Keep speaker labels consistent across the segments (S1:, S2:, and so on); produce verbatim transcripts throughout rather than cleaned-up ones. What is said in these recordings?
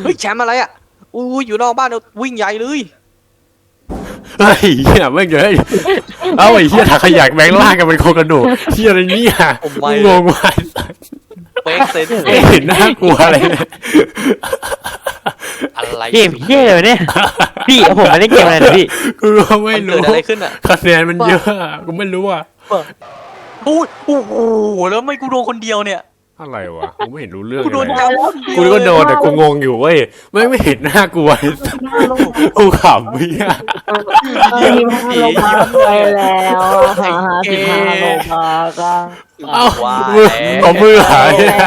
S1: เฮ้ยแชมป์อะไรอ่ะอุ้ยอยู่นอกบ้านวิ่งใหญ่เลย
S2: เฮ้ยเฮียไม่เงยเอาไอ้เฮียถักขยะแบงล่างกันเป็นโครงกระดูกเฮียอะไรเนี่ยงงว่ะ
S1: เป๊กเซน
S2: ไม่เห็นน่ากลัวอะไรเลย
S1: อะไร
S3: เกมเฮี้ยเลยเนี่ยพี่ผมไม่ได้เกมอะไรนะพี่
S2: กูไม่รู้
S1: เกิดอะไรขึ้นอ่ะ
S2: คะแนนมันเยอะกูไม่รู้อ่ะ
S1: โอ้ยโอ้โหแล้วไม่กูโดนคนเดียวเนี่ย
S2: อะไรวะกูไม่เห็นรู้เรื่อง
S1: กูโดนจับ
S2: กูก็โดนแต่กูงงอยู่เว้ยไม่ไม่เห็นน่ากลัวกูขำเฮีย
S4: ยิ้มลงมาไปแล้วหาสิบห้าโลมาก็
S2: เอ้ามือเอามือหาย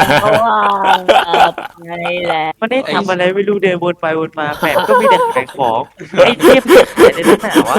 S4: ไงแหละ
S3: มันได้ทำอะไรไม่รู้เดินวนไปวนมาแปมก็มีแต่ขายของไอ้เทพไอ้นั่นหนาวะ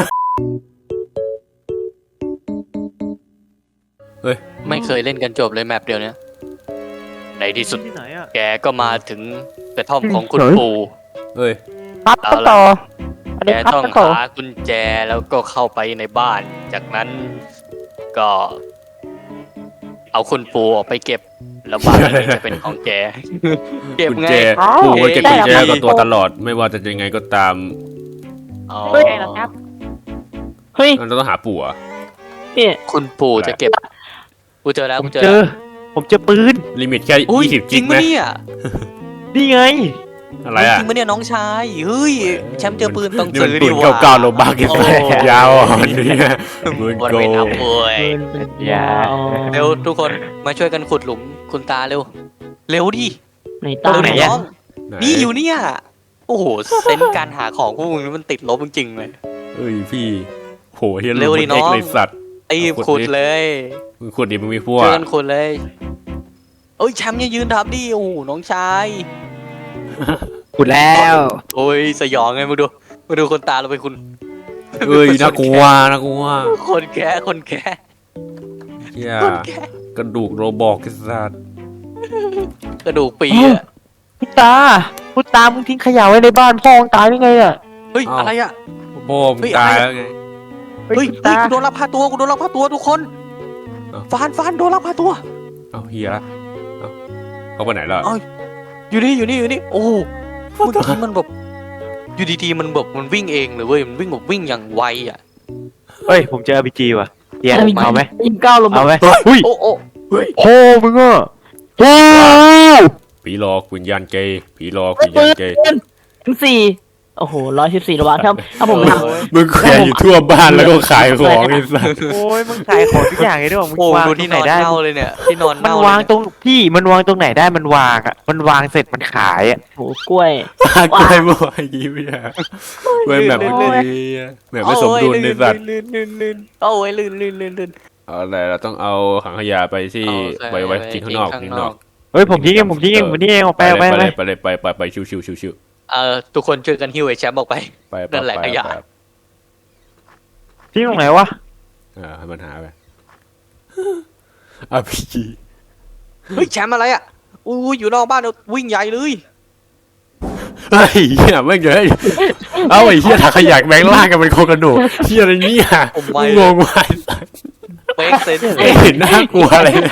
S2: เฮ้ย
S1: ไม่เคยเล่นกันจบเลยแมปเดียวเนี้ยในที่สุดแกก็มาถึงกระท่อมของคุณปู่
S2: เฮ้ย
S4: ครับต่อ
S1: แกต้องหากุญแจแล้วก็เข้าไปในบ้านจากนั้นก็ เอาคุณปู่ออกไปเก็บแล้วบ้านนี้จะเป็นของแกเก็บไง
S2: ปู่เก็บกุญแจกับตัวตลอดไม่ว่าจะยังไงก็ตาม
S1: อ๋อ
S4: ครับเฮ้ย
S2: เราต้องหาปู่อ่ะ
S1: คุณปู่จะเก็บกูเจอแล้วกูเจอ
S3: ผมเจอปืน
S2: ลิมิตแค่ยี่สิบจริงไหม
S3: นี่ไง
S2: อะไรอ่ะ
S1: จริงมั้ยเนี่ยน้องชายเฮ้ยแชมป์เจอปืนต้องซื้อ
S2: ดิว่าเก้าโลบาร์กันยาวอ่อนเนี่ย
S1: ปืนโกลยาวเร็วทุกคนมาช่วยกันขุดหลุมคุณตาเร็วเร็วดิ
S4: ไหนตาไหน
S1: น้องนี่อยู่เนี่ยโอ้โหเซนการหาของพวกมึงมันติดลบจริงๆเลย
S2: เฮ้ยพี่โหเฮียเร็วดิน้องสัตว์
S1: ไอ้ขุดเลย
S2: มึงขุดดิมึงมีพวก
S1: ช่วยกันขุดเลยเอ้ยแชมป์ยังยืนทับดิโอ้โหน้องชาย
S3: ขุดแล้ว
S1: โอ้ยสยองไงมาดูมาดูคนตาเราไปคุณ
S2: เอ้ยน่ากลัวน่ากลัว
S1: คนแก่คนแก่
S2: เฮียกระดูกโรบอกสัตว์
S1: กระดูกปีอะ
S3: พุตาพุตามึงทิ้งขยะไว้ในบ้านพ่อมึงตายได้ไงอ่ะ
S1: เฮ้ยอะไรอ่ะ
S2: พ่อมึงตายแล้วไง
S1: เฮ้ยกูโดนลักพาตัวกูโดนลักพาตัวทุกคนฟานฟานโดนลักพาตัว
S2: เอาเฮียเขาไปไหนล่ะ
S1: อยู่นี่อยู่นี่อยู่นี่โอ้เมื่อกี้มันแบบอยู่ดีๆมันแบบมันวิ่งเองเลยเว้ยมันวิ่งแบบวิ่งอย่างไวอ่ะ
S3: เฮ้ยผมเจอ อาร์ พี จี ว่ะเฮียเอาไหม
S4: ยิงเก้าลง
S3: เอาไหม
S1: อุ้ยโอ้โอ้
S3: เฮ้ยโอ้มึงอ่ะโอ้
S2: ผีหลอกวิญญาณเกย์ผีหลอกวิญญาณเกย์
S4: ทั้งสี่โอ้โหร้อยสิบสี่ระบาดครับถ้าผมท
S2: ำมึงแขวนอยู่ทั่วบ้านแล้วก็ขายของไอ้สัส
S3: โอ้ยมึงขายของทุกอย่างเลยด้วยมึงวาง
S1: ที่ไหนได้เลยเนี่ยที่นอน
S3: มันวางตรงพี่มันวางตรงไหนได้มันวางอ่ะมันวางเสร็จมันขายอ่ะ
S4: โหกล้วย
S2: กล้วยบ่อยยิ้มอ่ะกล้วยแบบนี้แบบไม่สมดุลในสัตว์
S1: ลื่นลื่นลื่นโอ้ยลื่นลื่นลื่นลื่น
S2: เอาอะไรเราต้องเอาถังขยะไปที่ไว้ไว้ทิ้งข้างนอกทิ้งนอก
S3: เฮ้ยผมทิ้งเองผมทิ้งเองผมทิ้งเองออกไปไป
S2: ไปไปไปไปไปชิวชิวชิวชิว
S1: เออทุกคนช่วยกันหิ้วไอ้แชมป์ออกไปนั่นแหละขยะ
S3: ที่ตรงไหนวะ
S2: อ่าให้มันหาไปอาร์ พี จี
S1: เฮ้ยแชมป์อะไรอ่ะอุ้ยอยู่นอกบ้านวิ่งใหญ่เลย
S2: เฮ้ยเฮียไม่เงยเอาไอ้เฮียถักขยะแบงล่างกันเป็นโครงกระดูกเฮียอะไรเนี่ยงงว่ะ
S1: เป๊กเซน
S2: ไม่เห็นน่ากลัวอะไรเลย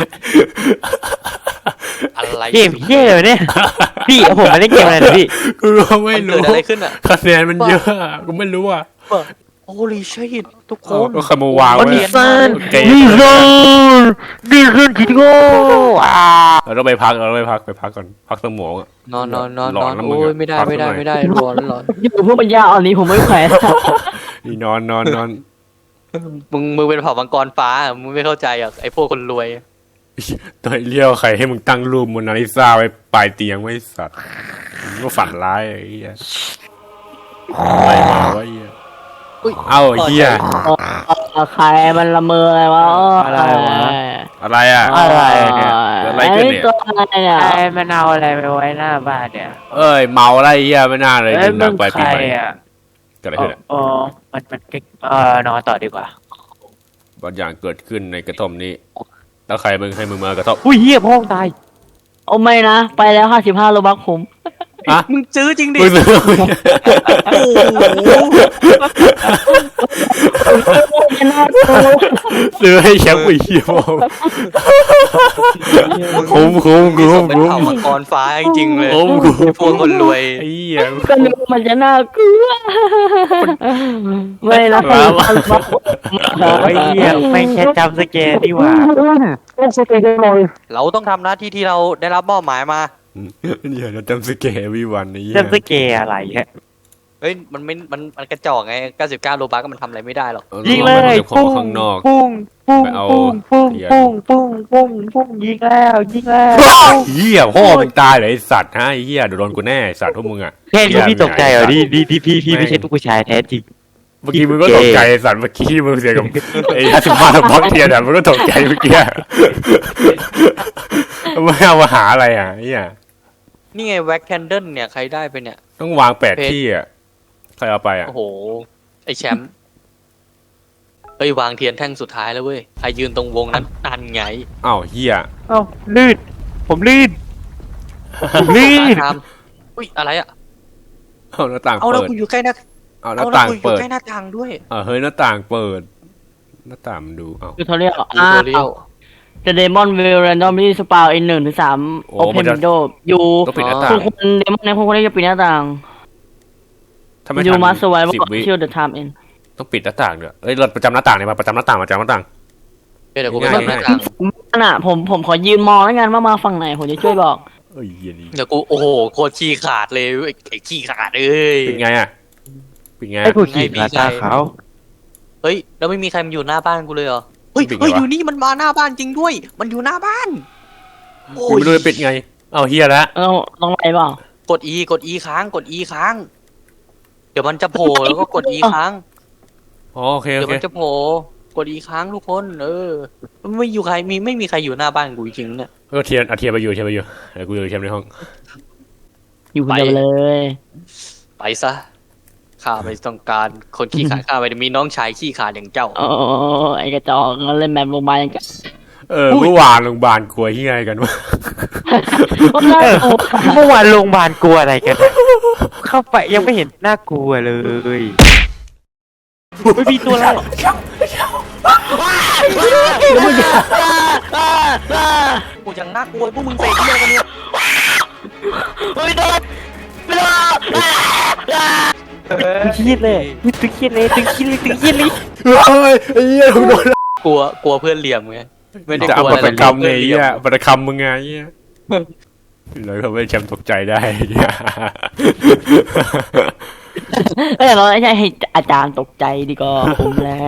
S1: อะไร
S3: เกมเฮี้ยเลยเนี่ยพี่ผมไม่ได้เกมอะไรนะพี่
S2: กูไม่รู้
S1: เกิดอะไรขึ้นอ่ะ
S2: คะแนนมันเยอะกูไม่รู้อ่ะ
S1: โอ้ลิชิตทุกคน
S2: ก็ขโมยวางไว้
S3: นี่ซันนี่ซันนี่ซันคิดโง่
S2: เราต้องไปพักเราต้องไปพักไปพักก่อนพักสมองอ่ะ
S1: นอนนอนนอนนอนโอ้ยไม่ได้ไม่ได้ไม่ได้ร้อนร้อน
S4: อยู่พวกปัญญาอ่อนนี้ผมไม่แขวน
S2: นี่นอนนอนนอน
S1: มึงมึงเป็นเผ่ามังกรฟ้ามึงไม่เข้าใจอ่ะไอ้พวกคนรวย
S2: ตัวเลี้ยวใครให้มึงตั้งรูปโมนาลิซาไว้ปลายเตียงไว้สัตว์มึงก็ฝันร้ายไอ้เหี้ยอะไรมาวะเหี้ยเอ้าเหี้ย
S4: ใครมันละเมออะไรวะ
S3: อะไรวะ
S2: อะไรอ่ะ
S3: อะไรเนี่ย
S2: อะไรกันเนี่ย
S4: ตัวอะไรเนี่ย
S3: ไอ้มันเอาอะไรไปไว้หน้าบ้านเนี่ย
S2: เอ้ยเมาอะไรเหี้ยไม่น่าเลยดื่มหนักไปปีใหม่เกิดอะไรขึ้น
S3: อ๋อมันมันเออนอนต่อดีกว่า
S2: บางอย่างเกิดขึ้นในกระท่อมนี้แล้วใครมึงให้มึงมากระท่อม
S3: อุ้ยเหี้ยพ่อตาย
S4: โอ้ไม่นะไปแล้วห้าสิบห้าโลบักผม
S1: มึงซื้อจริงดิ
S2: มึงซื้อ
S1: โอ้โห
S4: จะน่ากลัว
S2: ซื้อให้แชมป์ไอ้เหี้ยคุ้มคุ้ม
S1: มี
S2: คุ้
S1: ส
S2: ม
S1: มเป็น
S2: คุ้ม
S1: เผ่ามังกรฟ้าจริงๆเลย
S2: คุ้มคุ้ม
S1: พวกคนรวย
S2: ไอ้เหี้ย
S4: ก็นึกว่ามันจะน่ากลัวไม่นะ
S3: ไอ้เหี้ยไม่แค่จำสแกนดีกว่า
S1: เราต้องทำหน้าที่ที่เราได้รับมอบหมายมา
S2: เดี๋ยวเราจำสเกลวีวันไอ้เหี้ย
S3: จำสแกนอะไรฮะ
S1: เฮ้ยมันไม่มันมันกระจอกไงเก้าสิบเก้าโลบัคก็มันทำอะไรไม่ได้หรอก
S3: ยิงเลย
S2: ขอ
S3: ปุ้ง
S2: ข้างนอก
S3: ปุ้งปุ้ง
S2: ไปเอา
S3: ปุ้งปุ้ง
S2: เหี้ย
S3: ปุ้งปุ้งปุ้งปุ้งยิงแล้วยิงแล้ว
S2: เหี้ยพ่อมึงตายเลยไอ้สัตว์ฮะไอ้เหี้ยเดี๋ยวโดนกูแน่ไอ้สัตว์พวกมึงอ่ะ
S3: แค่นี้พี่ตกใจเหรอดีดีดีพี่พี่ไม่ใช่ลูกผู้ชายแท้จริง
S2: เมื่อกี้มึงก็ตกใจไอ้สัตว์เมื่อกี้มึงเสียกับไอ้ห้าสิบมาทบล็อกเทียนอ่ะมึงก็ตกใจเมื่อกี้มึงเอามาหาอะไรอ่ะไอ้เหี้ย
S1: นี่ไงแว็กแคนเดิลเนี่ยใครได้ไปเนี่ย
S2: ต้องวางแปดที่อ่ะใครเอาไปอ่ะ
S1: โอ้โหไอแชมป์เฮ้ยวางเทียนแท่งสุดท้ายแล้วเว้ยใครยืนตรงวงนั้นนั่นไง
S2: อ้าวเหี้ย
S3: เอ้าลื่นผมลื่นผมลื่น
S1: ทำอุ้ยอะไรอะ
S2: เอาหน้าต่าง
S1: เอาแล้ว
S2: เปิด
S1: กูอยู่ใกล้หน้า
S2: เอาห
S1: เอา
S2: น้า
S1: แล้ว
S2: ต่าง
S1: กูอยู่
S2: เปิด
S1: ใกล้หน้าต่างด้วย
S2: เออเฮ้ยหน้าต่างเปิด หน้าต่างมันดูเอ้า
S4: คือเขาเรียก
S1: ทู
S4: อ้า
S1: โทเรียว
S4: ว The Demon will randomly spawn in หนึ่งถึงสาม
S2: โอ้
S4: Open
S2: มันจะ
S4: window อยู่
S2: ต้องปิดหน้าต่า
S4: คุ
S2: ง
S4: ณคุณเดมอนเนี่ยคุณคนนี้จะปิดหน้าต่าง
S2: ถ้าไม่
S4: You
S2: ทัน
S4: must survive
S2: สิบวิ
S4: until the time end
S2: ต้องปิดหน้าต่างด้วยเอ้ยเราประจำหน้าต่างเนี่ยมาประจำหน้าต่างประจำหน้าต่าง
S1: เดี๋ยวกูไป
S2: ง่าย
S1: ทำหน้าต่าง
S4: นั่นน่ะผมผมขอยืนมองแล้วกันว่ามาฝั่งไหนผมจะช่วยบอก
S2: เอ้ยเหี้ยนี่
S1: เดี๋ยวกูโอ้โหโคตรขี้ขาดเลยไอ้ไอ้ขี้ขาดเอ้ย
S2: เป็นไงอ่ะเป็นไง
S3: ไอ้ผู้ขี่มาตาขาว
S1: เฮ้ยแล้วไม่มีใครมาอยู่หน้าบ้านกูเลยเหรอเฮ้ย
S2: ปิดไง
S1: เฮ้ยว
S2: ะ
S1: อยู่นี่มันมาหน้าบ้านจริงด้วย มันอยู่หน้าบ้านโอ้
S2: กู
S1: ย
S2: ไม่รู้จะปิดไงเอาเฮียแล้ว
S4: เออต้องไปเปล่าก
S1: ด E กด E ค้างกด E ค้าง เดี๋ยวมันจะโผล่แล้วก็กด E ค้าง
S2: อ๋อโอเคโอ
S1: เดี๋ยว
S2: เค
S1: มันจะโผล่กด E ค้างทุกคน เออไม่อยู่ใครมีไม่มีใครอยู่หน้าบ้านกูจริงๆเนี่ย
S2: เออเทียนเอาเทียนไปอยู่เทียนไปอยู่เดี๋ยวกูอยู่เทียนในห้อง
S4: อยู่คนเดียวเลย
S1: ไปซะข้าไม่ต้องการคนขี้ขลาดข้าไม่ได้มีน้องชายขี้ขลาดอย่างเจ้า
S4: โอ้ไอ้กระจอกเล่นแมปโรงพยาบาลยังกัน
S2: เออเมื่อวานโรงพยาบาลกลัวเฮียอะไรกันวะ
S4: ก็น่ากลัว
S3: เมื่อวานโรงพยาบาลกลัวอะไรกัน เข้าไปยังไม่เห็นน่ากลัวเลยไม่มีตัวอะไร
S1: กูยังน่ากลัวพวกมึงเตะเที่ยวกันเนี่ย
S4: เฮ้ยโดนไม่โดน
S3: ตึงเครียดเลยตึงเครียดเลยตึงเครียดเลยตึงเครียดเลย
S2: เฮ้ยไอ้เหี้ยโดน
S1: กลัวกลัวเพื่อนเหลี่ยมไงไม่ได้
S2: จะ
S1: ก
S2: เอา
S1: ลัว
S2: บั
S1: อะ
S2: ต
S1: ไร
S2: รกรรมไง
S1: เพื่อนเหลี่
S2: เหี้
S1: ย
S2: ย
S1: ม
S2: บัตรกรรมมึงไงเหี้ยเลยทำให้แชมป์ตกใจได้เหี้ย
S4: เอ้ยเราไม่ใช่ให้อาจารย์ตกใจดีก็ผมแล้ว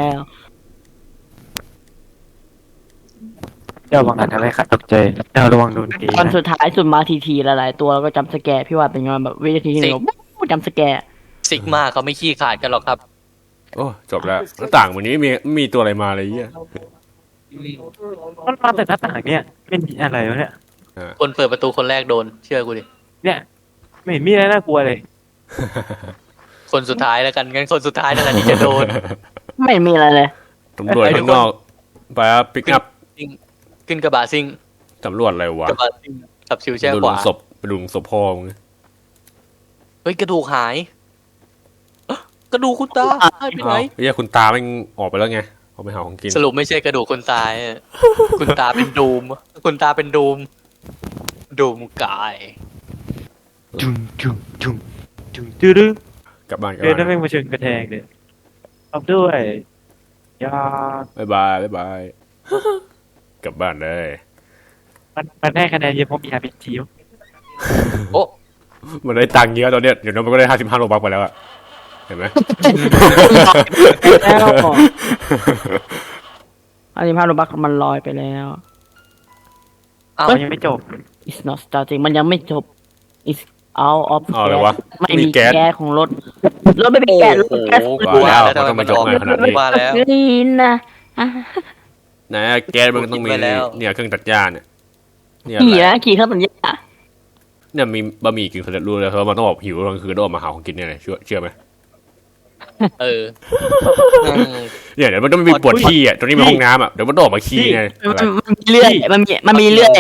S3: เดี๋ยวระวังอะไรครับตกใจเดี๋ยวระวังโดนตี
S4: ตอนสุดท้ายสุดมาทีทีหลายๆตัวแล้วก็จำสแกร์พี่ว่าเป็นไงแบบวินาทีที่หนึ่งจำสแกร์
S1: ซิกมาเขาไม่ขี้ขลาดกันหรอกครับ
S2: โอ้จบแล้วหน้าต่างวันนี้ไม่มีไม่มีตัวอะไรมาเลยเหี้ย
S3: มันมาแต่หน้าต่างเนี่ยเป็นอะไรวะเนี่ย
S1: คนเปิดประตูคนแรกโดนเชื่อกูดิ
S3: เนี่ยไม่เห็นมีอะไรน่ากลัวเลย
S1: คนสุดท้ายแล้วกันงั้นคนสุดท้ายนั่นแหละที่จะโดน
S4: ไม่มีอะไรเลย
S2: ตำรวจข้างนอกไปปิกอัพ
S1: ขึ้นกระบะซิ่ง
S2: ตำรวจอะไรวะ
S1: กระบะซิ่งขับชิวแช่
S2: ดู
S1: ข
S2: หลุ
S1: วาม
S2: ศพไปดูหลุมศพพ่อมึง
S1: เฮ้ยกระดูกหายเอ๊ะกระดูกคุณตาหายไปไหน
S2: อ้าวเหี้ยคุณตาแม่งออกไปแล้วไงออกไปหาของกิน
S1: สรุปไม่ใช่กระดูกคนตายอะคุณตาเป็นดูม คุณตาเป็นดูมดูมกาย
S3: จุ่มจุ่มจุ่มจุ่มตื้อดื้อก
S2: ลับบ้านกลับ
S3: เดินนั่
S2: บ้าน น
S3: แม่งมาเชิงกระแทงเลยเอาด้วยยา
S2: บ๊ายบายบ๊ายบาย กลับบ้านเลย
S3: มันมันได้คะแนนเยอะเพราะมีอาร์พีจี
S1: โอ้
S2: มันได้ตังค์เยอะตอนเนี้ยเดี๋ยวน้องมันก็ได้ห้าสิบห้าโลบักไปแล้วอะเห็นไหม
S4: แล้วอันนี้ภาพโรบักมันลอยไปแล้ว
S1: เอา
S3: มันยังไม่จบ
S4: it's not starting มันยังไม่จบ it's out of
S2: อ๋ออะไรวะ
S4: ไม่
S2: มี
S4: มี
S2: แก๊ส
S4: แก๊สของรถรถไม่มีแก๊สรถแก๊ส
S1: โอ้โห
S2: กว่าแล้ว
S1: ทำไม
S2: มันต้องมายก
S1: ออก
S2: มาขนาดนี้
S1: มาแล้ว
S4: นี่นะอ่ะ
S2: นะแก๊สมันก็ต้องมี
S1: กินไปแล้ว
S2: เนี่ยเครื่องตัดหญ้าเนี่ยเนี่ย
S4: ขี่
S2: อะไร
S4: นะขี่เข้าสัญญา
S2: เนี่ยมีบะหมี่กึ่งสำเร็จรูปเลยเพราะว่ามันต้องบอกหิวตอนกลางคืนต้องออกมาหาของกินเนี่ยเลยเชื่อเชื่อไหม
S1: เออ
S2: เนี่ยเดี๋ยวมันต้องมีปวดขี้อ่ะตรงนี้เป็นห้องน้ำอ่ะเดี๋ยวมันต้องออกมาขี้ไงอะไร
S4: มันมีเลื่อยมันมีมันมีเลื่อย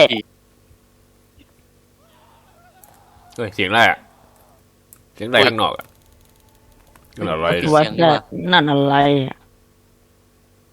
S2: เฮ้ยเสียงอะไรอ่ะเสียงอะไรข้างนอกอ่ะนั่นอะไร
S1: เสี
S2: เนี่ย
S4: ว่า
S1: เสียง
S4: แต่
S1: ว่ะ
S4: นั่นอะไรอะ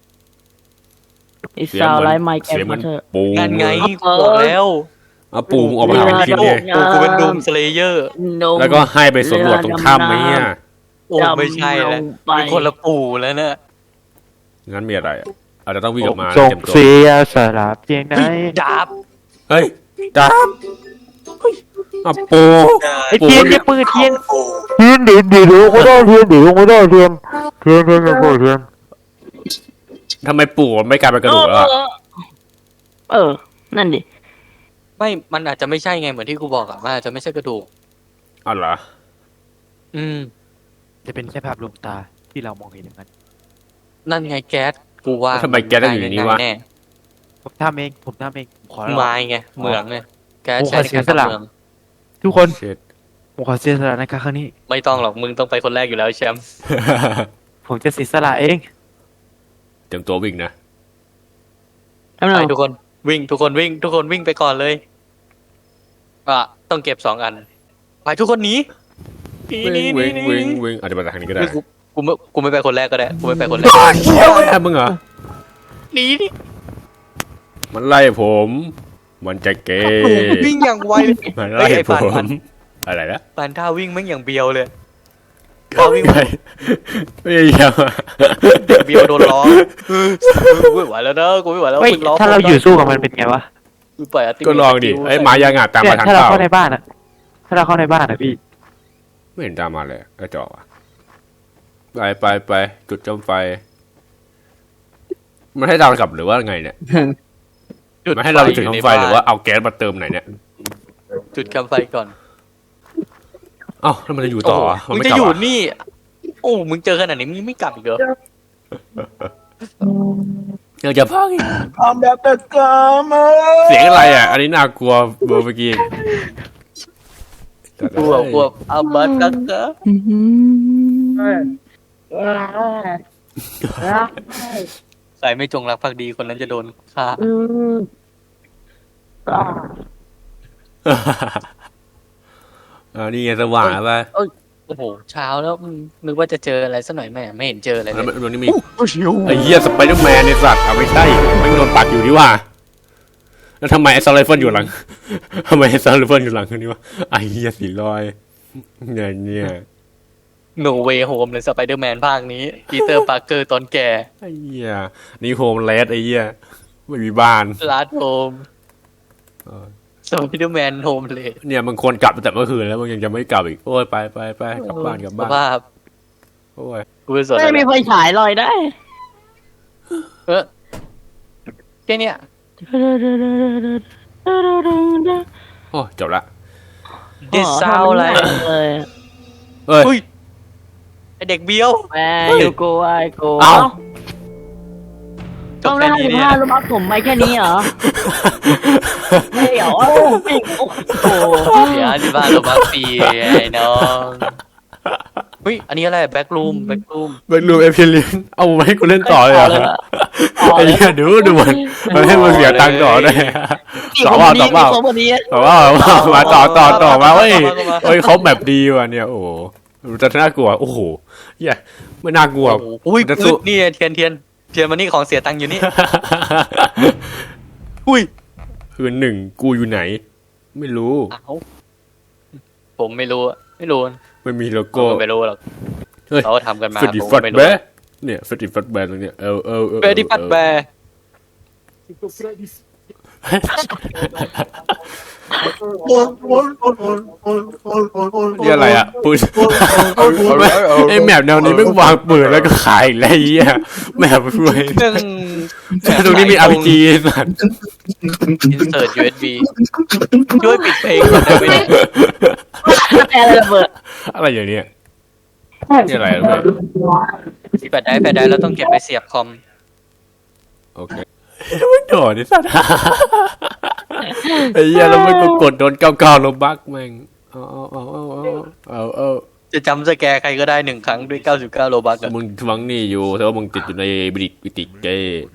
S4: ไอ้สาวไร้ไม้แก
S2: เสียง
S4: มา
S2: มัน
S4: เถอะ
S2: ปู
S1: นั่นไงกูบอกแล้ว
S2: เอาปูมึงออกมาหากินไง
S1: กูกูเป็นดูมสเลเยอร์
S2: แล้วก็ให้ไปสำรวจตรงถ้ำไหมเนี่ย
S1: โอ้ไม่ใช่แล้ว
S4: ไป
S1: เป็นคนละปู่แล้วเนี่ย
S2: งั้นมีอะไรอะอาจจะต้องวิ่งออกมา
S3: ส่ง
S2: เต็มตัว
S3: เสียสละเพียงไหน
S1: ดาบ
S2: เฮ้ยจ้าอ่ะปู
S3: ไอ้เทียนอย่าเปิดเทียนเทียนเดี๋ยวเดี๋ยวไม่ได้เทียนเดี๋ยวไม่ได้เทียนเทียนเทียนอย่าเปิดเทียน
S2: ทำไมปูมันไม่กลายเป็นกระดูกแล้วอะ
S4: เออ นั่นดิ
S1: ไม่มันอาจจะไม่ใช่ไงเหมือนที่กูบอกอะมันอาจจะไม่ใช่กระดูก
S2: อ๋อเหรอ
S1: อืม
S3: จะเป็นแค่ภาพลวงตาที่เรามองเห็นอย่างนั้น
S1: นั่นไงแก๊สกูว่า
S2: ทำไมแกต้องอยู่ในนี้วะ
S1: แน่
S3: ผมทำเองผมทำเองผมขอ
S1: ๆ
S3: ร้อง
S1: ไม้ไงเหมืองไงแก๊ส
S3: โอ้
S1: ใช้ใน
S3: ขอเสีย
S1: การ
S3: สละ
S1: ทำเมือง
S3: ทุกคน
S2: เช็ด
S3: ผมขอเสียสละในครั้งนี้
S1: ไม่ต้องหรอกมึงต้องไปคนแรกอยู่แล้วแชมป์
S3: ผมจะเสียสละเอง
S2: เตรียมตัววิ่งนะ
S4: ทำไม
S1: ไปทุกคนวิ่งทุกคนวิ่ง ทุกคนวิ่งไปก่อนเลยอ่ะต้องเก็บสองอันไปทุกคนหนีหนี
S2: วิ่ง
S1: หนี
S2: วิ่ง
S1: หนี
S2: วิ่งวิ่งอาจจะมาจากทางนี้ก็ได้
S1: ไม่กูกูไม่กูไม่ไปคนแรกก็ได้กูไม่ไปคนแรก
S2: เชี่ยวแอบมึงเหรอ
S1: หนีดิ
S2: มันไล่ผม มันจะเกย์
S1: วิ่งอย่างไวเลย
S2: มันไล่
S1: เฮ้ยไอ้
S2: ผ
S1: ปานปาน
S2: มอะไรนะ
S1: ปานท่าวิ่งแม่งอย่างเบียวเลย
S2: เข้าวิ่งไปไม่ยอม
S1: เบียวโดนล้อกูไม่ไหวแล้วนะกูไม่ไหวแล้ว
S3: เฮ้ย
S1: มึงล้อ
S3: ถ้าเราอยู่สู้กับมันเป็นไงวะ
S1: กูปล่อยะติ
S2: ก็ลองดิไอ้ยหมายางอาจตาม
S3: เนี่
S2: มาย ทาง
S3: ถ้าเรา
S2: เปล่า
S3: เข้าในบ้านอะถ้าเราเข้าในบ้านอะพี่
S2: ไม่เห็นตามมาเลยกระจอกอ่ะไปไปไปจุดจมไฟ มันให้เรากลับหรือว่าไงเนี่ย
S1: จุด
S2: มันให้เราไปจุด
S1: ยู่
S2: จม
S1: ใน
S2: ไฟ
S1: บ้น
S2: หรือว่าเอาแก๊สมาเติมไหนเนี่ย
S1: จุดคำไฟก่อน
S2: เอ้าแล้วมันจะอยู่ต่อวะ
S1: โอ้
S2: มัน
S1: มึง
S2: ไม่
S1: จะ
S2: กลับ
S1: อยู่
S2: อ่ะ
S1: นี่ โอ้มึงเจอขนาดนี้มึงยังไม่กลับอีกเหรอ
S2: ยังจะพังอีก
S5: ทำแบบตะกามา
S2: เสียงอะไรอ่ะ อันนี้น่ากลัวเบอร์เมื่อกี้
S1: กลัวกลัวอาบัตกักกะใครไม่จงรักภักดีคนนั้นจะโดนฆ่า
S2: อ่านี่ไงสว่างแล้วป่ะ
S1: โอ้โหเช้าแล้วอืมนึกว่าจะเจออะไรสักหน่อยแม่ไม่เห็นเจออะไรเล
S2: แล้ว
S1: ย
S2: มันนี่มีไอ้เหี้ยสไปเดอร์แมนในสัตว์เอาไม่ใช่ไม่งโดนปักอยู่นี่ว่าแล้วทำไมไอ้ซาร์ไลเฟิลอยู่หลัง ทำไมไอ้ซาร์ไลเฟิลอยู่หลังคนนี้วะไอ้เหี้ยสีลอยเนี่ยเนี่ย
S1: โนเวโฮมเลยสไปเดอร์แมนภาคนี้ปีเตอร์ปาร์เกอร์ตอนแก่
S2: ไอ้เหี้ยนี่โฮมเลสไอ้เหี้ยไม่มีบ้าน
S1: ลาดโฮม
S2: เออ
S1: สไปเดอร์แมนโฮมเลย
S2: เนี่ยมันควรกลับตั้งแต่เมื่อคืนแล้วมันยังจะไม่กลับอีกโอ้ยไปไปไปกลับบ้านกลับ
S1: ส
S2: บ้าน
S1: ภาพ
S2: โอ้ย
S1: กูไม่สน
S4: ไม่
S1: อะไร
S4: มีไฟฉายลอยได้
S1: เออแค่เนี้ย
S2: โอ้ยจบละ
S1: ดิสซาวอะไร
S4: เลย
S2: เอ้ย
S1: อุ้ยไอเด็กเบี้ยว
S4: แม่ยูโกไอโก
S2: เอ้า
S1: จ
S4: ต้
S1: บ
S4: อง
S1: แค่
S4: ได้
S1: นี้
S4: สิบ
S1: เนี่ย
S4: ห้าลูกบักผมไปแค่นี้เหรอไม่เหรอโอ้โห
S1: เดี๋ยวที่บ้านเราบักปีไอ้น้องเฮ้ยอันนี้อะไรแบ็กรูมแบ็กรูม
S2: เบิร์ดรูมเอพิเลียนเอามาให้กูเล่นต่อเลยเหรอไอ้เหี้ยดูดูมันมันให้มันเสียตังค์ต่อได้ต่อว่าต่อว่า
S4: คนคนนี้
S2: ต่อว่ามาต่อต่อต่อมาเว้ยเฮ้ยเขาแบบดีว่ะเนี่ยโอ้โหจะน่ากลัวโอ้โหเหี้ยไม่น่ากลัว
S1: โอ้โหอุ้ย
S2: จะสู้
S1: นี่เทียนเทียนเทียนมันนี่ของเสียตังค์อยู่นี่ อุ้ย
S2: คืนหนึ่งกูอยู่ไหน ไม่รู้
S1: เอ้าผมไม่รู้อะไม่รู้
S2: ไม่มีโล
S1: ผม
S2: โก้
S1: ก็ไม่รู้หรอก
S2: เฮ้ย
S1: เขาทำกันมา
S2: ฟิดดิ
S1: ผม
S2: ฟั
S1: ก็
S2: ด
S1: ไม่
S2: แบ
S1: รู้
S2: ะเนี่ยฟิดดิฟัดแบะตรงเนี้ยเออเออเออ
S1: เฟรดดี้ฟัดแบร์
S2: นี่อะไรอ่ะปืนไอ้แมปแนวนี้ไม่วางปืนแล้วก็ขายอีกแล้วไอ้เหี้ยแมปรวย
S1: ซึ่ง
S2: ตรงนี้มี อาร์ พี จี สัตว์
S1: อินเสิร์ต ยู เอส บี ช่วยปิดเพลงก่อนได้ไหมเนี่ย
S4: แต่อะไรระเบิด
S2: อะไรอย่างเนี้ยนี่อะไรอะไร
S1: แฟลชไดรฟ์แฟลชไดรฟ์เราต้องเก็บไปเสียบคอม
S2: โอเคไม่โดดไอ้สัตว์ไอ้เหี้ยแล้วมันก็กดโดนเก้าเก้าลบบักแม่งเอาเอาเอาเอาเอาเอา
S1: จะจำสแกร์ใครก็ได้หนึ่งครั้งด้วยเก้าสิบเก้าโลบัคอะ
S2: มึงทวงหนี่อยู่แต่ว่ามึงติดอยู่ในบิดิบิติเกย์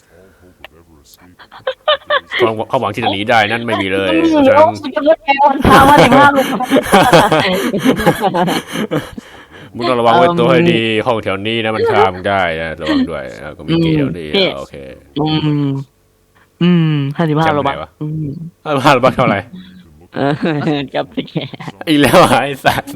S2: ความความหวังที่จะหนีได้นั่นไม่มีเลยเพราะฉะนั้น
S4: จะเลือกแกวันพามาสิบห้าลูก
S2: มึงต้องระวังไว้ตัวให้ดีห้องแถวนี้นะมันฆ่ามึงได้นะระวังด้วยแล้วก็มีเกย์แถวนี้โอเค
S4: อืมอืมห้าสิบห้าโลบาท
S2: จำไหนวะ
S4: อืม
S2: ห้าสิบห้าหรือบ้าเท่าไหร่
S4: เออกับพี่แก
S2: อีกแล้วอ่ะไอ้สัส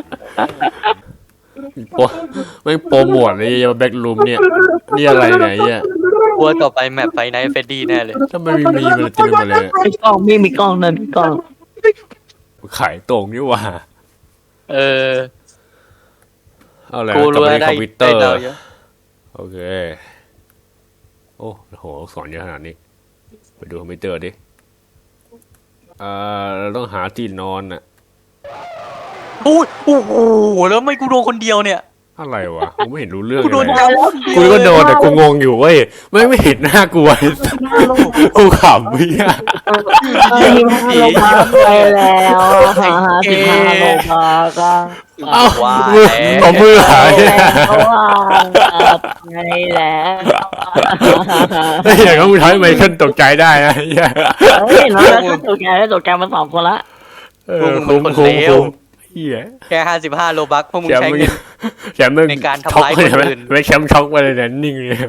S2: โปไม่โปรโมทเลยยังแบ็กรูมเนี่ยนี่อะไรเนี่ยเนี่ย
S1: กลัวต่อไปแมปไฟไนท์เฟดดี้แน่เลย
S2: ถ้าไม่มีมันจะเป็นอะไรเนี่ย
S4: มีกล้องมีมีกล้องนั่นมีกล้อง
S2: ขายตรงนี่หว่า
S1: เออ
S2: เอาอะไร
S1: กู
S2: กลับ
S1: รู้
S2: มา
S1: ว่า
S2: ที่
S1: ได้
S2: คอมพิวเตอ
S1: ได้
S2: ร์
S1: ดาวเยอะ
S2: โอเคโอ้โหสอนเยอะขนาดนี้ไปดูคอมพิวเตอร์ดิอ่าเราต้องหาที่นอนอ่ะ
S1: โอ้ยโอ้โหแล้วไม่กูโดนคนเดียวเนี่ย
S2: อะไรวะกูไม่เห็นรู้เรื่อง
S1: กูโดน
S2: เลย
S1: ดาวแล้ว
S2: กูก็โดนแต่กูงงอยู่เว้ยไม่ไม่เห็นหน้ากูไอ้สัสกูขำพี่อะ
S4: ห้าสิบห้าโลบาทไปแล้วห้าสิบห้าโลบาทก็
S2: เอ้า
S1: ว่า
S2: มือ
S1: แล้ว
S2: เอามือหาย
S4: เพราะว่าไงแล้ว
S2: ไอ้เหี้ยก็มึงทำให้ไมเคิลตกใจได้นะไอ้เหี้ย
S4: เฮ้ยน้องแล้วตกใจแล้วตกใจมาสองคนละ
S2: เออคุ้มคุ้มคุ้มเหี้ย
S1: แค่ห้าสิบห้าโลบักพวกมึง
S2: แชม
S1: ใช้
S2: ป์มึง
S1: เงิน
S2: แชมป์มึง
S1: ในการทำ
S2: ช็อก
S1: ร้าย
S2: เลย
S1: คน
S2: ไหม
S1: อื่น
S2: ไม่แชมป์ช็อกไปเลยเนี่ยนิ่งเลย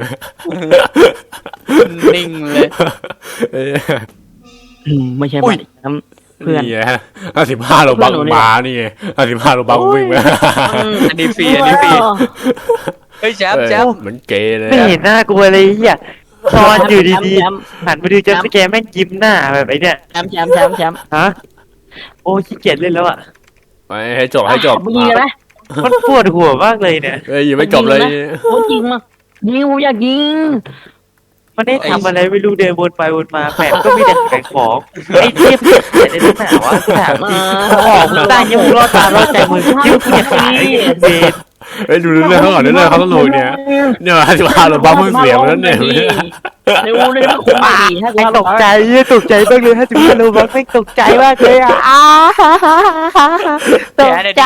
S1: นิ่งเลย
S2: เอ้ย
S4: อืมไม่ใช่
S1: อุ้
S4: บ้าย นน้ำเพื่อน
S2: นี่ฮะห้าสิบห้าโลบังมานี่ห้าสิบห้าโลบังวิ่งไป
S1: อันนี้ฟรีอันนี้ฟรีเฮ้ยแชมป์แชมป์
S2: เหมือนเกย์เลย
S3: ไม่เห็นหน้ากลัวเลยเหี้ยนอนอยู่ดี
S4: แชมป์
S3: ๆหันมาดูจัมป์สแกร์แม่งยิ้มหน้าแบบไอ้เนี่ย
S4: แชมป์แชมป์แชมป์แชมป์
S3: ฮะโอ้ขี้เกียจเล่นแล้วอ่ะ
S2: ไปให้จบให้จบ
S4: มึงยิงเลยไหม
S3: มันปวดหัวมากเลยเนี่ย
S2: เอ้ยยังไม่จบเลย
S4: โอ้ยิงมายิงผมอยากยิง
S3: มันได้ทำอะไรไม่รู้เดินวนไปวนมาแปะก็มีแต่ขายของไอ้เทียบเสียในหน้าวะถาม
S4: มา
S3: ออกมึงได้ยังมึงรอดตารอดใจมึงยิ้มเกียจขายไอ้เบน
S2: เฮ้ยดูเรื่องเขาก่อนเรื่องเขาต้องรู้เนี่ยเนี่ยห้าสิบห้าโลบังมึงเสียมาแล้วเนี่ย
S4: เร็วเลยนะคุ้มดีถ้า
S3: ไอ้ตกใจเหี้ยตกใจมากเลยถ้าถึงรู้ว่าไม่ตกใจมากเลยอ่ะอ้าตกใจ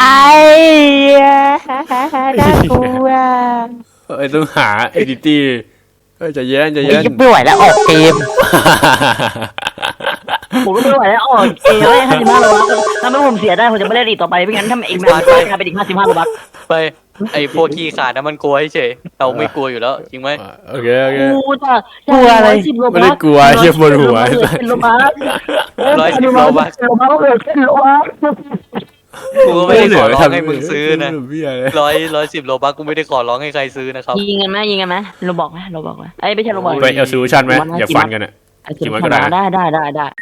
S3: น่ากลัว
S2: เอ้ยต้องหาเอดิตี้เฮ้ยจะเย็นจะ
S3: ไอ้
S2: เย็น
S3: ยังไม่ไหวแล้วออกเกม
S4: ผมไม่ไหวแล้วอ๋อเองเลยห้าสิบห้าโลบักถ้าไม่ผมเสียได้ผมจะไม่ได้ดีต่อไปไม่งั้นถ้าเองมาจะกลายเป็นอีกห้าสิบห้าโลบัก
S1: ไปไอ้พวกขี้ขาดนะมันกลัวเฉยเราไม่กลัวอยู่แล้วจริงไหม
S2: โอเคโอเค
S4: กูจะ
S2: ไม่ได้กลัวเหี้ยบนหัว
S4: เป็นโลบัก
S1: ร้อยสิบโลบัก
S4: โลบักเลยเป็นโลบัก
S1: กูก็ไม่ได้ขอร้องให้มึงซื้อนะ
S2: เบี้ยเลย
S1: ร้อยร้อยสิบโลบักกูไม่ได้ขอร้องให้ใครซื้อนะครับ
S4: ยิงกันไหมยิงกันไหมโลบอกไหมโลบอกไหมไอ้ไม่ใช่โลบอก
S2: ไปเอาซูชันไหมอย่าฟันกันอ่ะ กี่วันก็ได้
S4: ได้ได้ได้ได้